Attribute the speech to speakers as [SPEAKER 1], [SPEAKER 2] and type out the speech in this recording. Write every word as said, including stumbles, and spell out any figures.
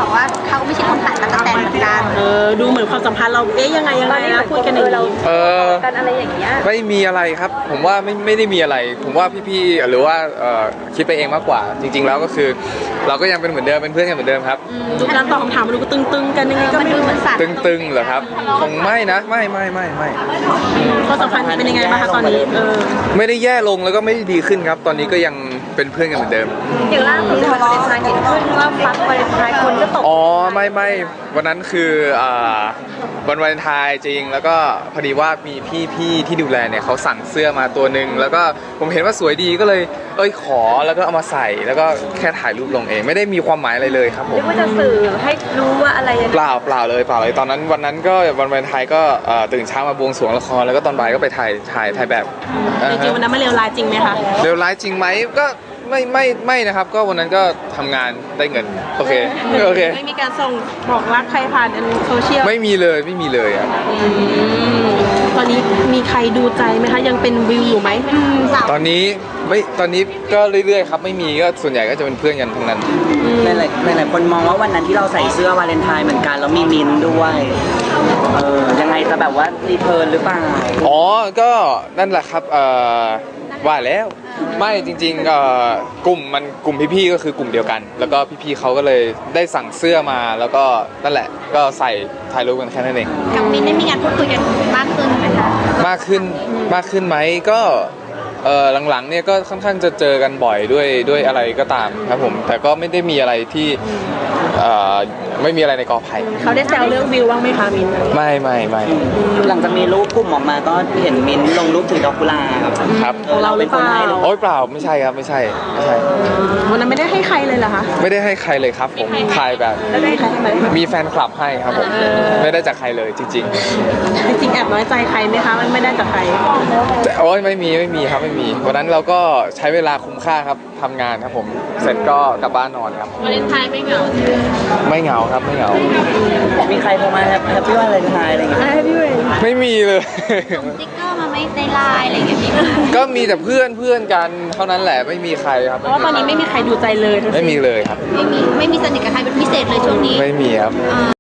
[SPEAKER 1] บอกว่าเขาไม่ใช่คนตัดตะกั่วแตนเหมือนกัน
[SPEAKER 2] เออดูเหมือนความสัมพันธ์เราเอ๊ยยังไงยังไงนะพูดกันอย่างนี้
[SPEAKER 3] เออ
[SPEAKER 1] กันอะไรอย่างเงี้ย
[SPEAKER 3] ไม่มีอะไรครับ ผมว่าไม่ไม่ได้มีอะไร ผมว่าพี่ๆหรือว่าเอ่อคิดไปเองมากกว่า จริง ๆ แล้วก็คือ เราก็ยังเป็นเหมือนเดิมเป็นเพื่อนกันเหมือนเดิมครับ
[SPEAKER 2] ดูการตอบคำถามมันดูตึงๆกันยังไงก็ไม่รู้
[SPEAKER 3] ตึงๆเหรอครับคงไม่นะไม่ไม่ไม่ไม่
[SPEAKER 2] ความสัมพันธ์เป็นยังไงบ้างคะตอนนี้เออ
[SPEAKER 3] ไม่ได้แย่ลงแล้วก็ไม่ได้ดีขึ้นครับ ตอนนี้ก็ยังเป็นเพื่อนกันเหมือนเดิม
[SPEAKER 1] อย่างล่าสุดวันวาเลนไทน์เห็นขึ้นว่าฟักวาเลนไทน์คนก็ตก
[SPEAKER 3] อ๋อไม่ไม่วันนั้นคืออ่าวันวาเลนไทน์จริงแล้วก็พอดีว่ามีพี่พี่ที่ดูแลเนี่ยเขาสั่งเสื้อมาตัวหนึ่งแล้วก็ผมเห็นว่าสวยดีก็เลยเอ้ยขอแล้วก็เอามาใส่แล้วก็แค่ถ่ายรูปลงเองไม่ได้มีความหมายอะไรเลยครับผม
[SPEAKER 1] เรียกว่าจะสื่อให้รู้ว่าอะไรยังไง
[SPEAKER 3] เปล่าเปล่าเลยเปล่าเลยตอนนั้นวันนั้นก็วันวาเลนไทน์ก็ตื่นเช้ามาบวงสรวงละครแล้วก็ตอนบ่ายก็ไปถ่ายถ่ายถ่ายแบบ
[SPEAKER 2] จริงๆวันนั้นไม่เลวร้ายจริงไหมคะ
[SPEAKER 3] เลวร้ายจริงไหมก็ไม่ไม่ไม่นะครับก็วันนั้นก็ทำงานได้เงินโอเคโอเค
[SPEAKER 2] ไม่มีการส่งบอกรักใครผ่านโซเชียล
[SPEAKER 3] ไม่มีเลยไม่มีเลยอ่ะ
[SPEAKER 2] ตอนนี้มีใครดูใจไหมคะยังเป็นวิวอยู่ไหม
[SPEAKER 3] ตอนนี้ไม่ตอนนี้ก็เรื่อยๆครับไม่มีก็ส่วนใหญ่ก็จะเป็นเพื่อนกันทั้งนั้น
[SPEAKER 4] หลายๆหลายๆคนมองว่าวันนั้นที่เราใส่เสื้อวาเลนไทน์เหมือนกันแล้วมีมินด้วยเออยังไงจะแบบว่ารีเทิร์นหรือเปล่า
[SPEAKER 3] อ๋อก็นั่นแหละครับเอ่อว่าแล้วไม่จริงๆเอ่อกลุ่มมันกลุ่มพี่ๆก็คือกลุ่มเดียวกันแล้วก็พี่ๆเขาก็เลยได้สั่งเสื้อมาแล้วก็นั่นแหละก็ใส่ถ่ายรูปกันแค่นั้นเอง
[SPEAKER 1] กับมินได้มีการพูดคุยกันมากขึ้นไหมคะ
[SPEAKER 3] มากขึ้นมากขึ้นไหมก็เออหลังๆเนี่ยก็ค่อนข้างจะเจอกันบ่อยด้วยด้วยอะไรก็ตามครับผมแต่ก็ไม่ได้มีอะไรที่เอ่อไม่มีอะไรในกอไผ่
[SPEAKER 2] เขาได้แซวเรื่องวิวบ้างไหมคะมิน
[SPEAKER 3] ไม่ไม่ไม่
[SPEAKER 4] หลังจากมีรูปกลุ่มออกมาก็เห็นมินลงรูปถือดอกกุหลาบ
[SPEAKER 3] ครับ
[SPEAKER 2] เราเป็นคนให้
[SPEAKER 3] โอ๊ยเปล่าไม่ใช่ครับไม่ใช่ไม่ใช่
[SPEAKER 2] วันนั้นไม่ได้ให้ใครเลยเหรอคะ
[SPEAKER 3] ไม่ได้ให้ใครเลยครับผมถ่ายแบบมีแฟนคลับให้ครับผมไม่ได้จากใครเลยจริงๆ
[SPEAKER 2] จริงๆแอบน้อยใจใครไหมคะมันไม่ได้จากใคร
[SPEAKER 3] โอ๊ยไม่มีไม่มีครับไม่มีวันนั้นเราก็ใช้เวลาคุ้มค่าครับทำงานครับผมเสร็จก็กลับบ้านนอนครับ
[SPEAKER 1] วาเลนไทน์ไม่เหงา
[SPEAKER 3] ไม่เหงาครับไม่เหงา
[SPEAKER 4] มีใครโทรมาแฮปปี้วาเลนไทน์อะไรอย่างเงี้ย
[SPEAKER 3] ไม่มีเลย
[SPEAKER 1] สติ๊กเกอร์มาไหมในไลน์อะไรอย่างเงี้ย
[SPEAKER 3] ก็มีแต่เพื่อนเพื่อนกันเท่านั้นแหละไม่มีใครครับ
[SPEAKER 2] เพราะว่าตอนนี้ไม่มีใครดูใจเลย
[SPEAKER 3] ไม่มีเลยครับ
[SPEAKER 1] ไม่มีไม่มีสนิทกับใครเป็นพิเศษเลยช่วงนี้
[SPEAKER 3] ไม่มีครับ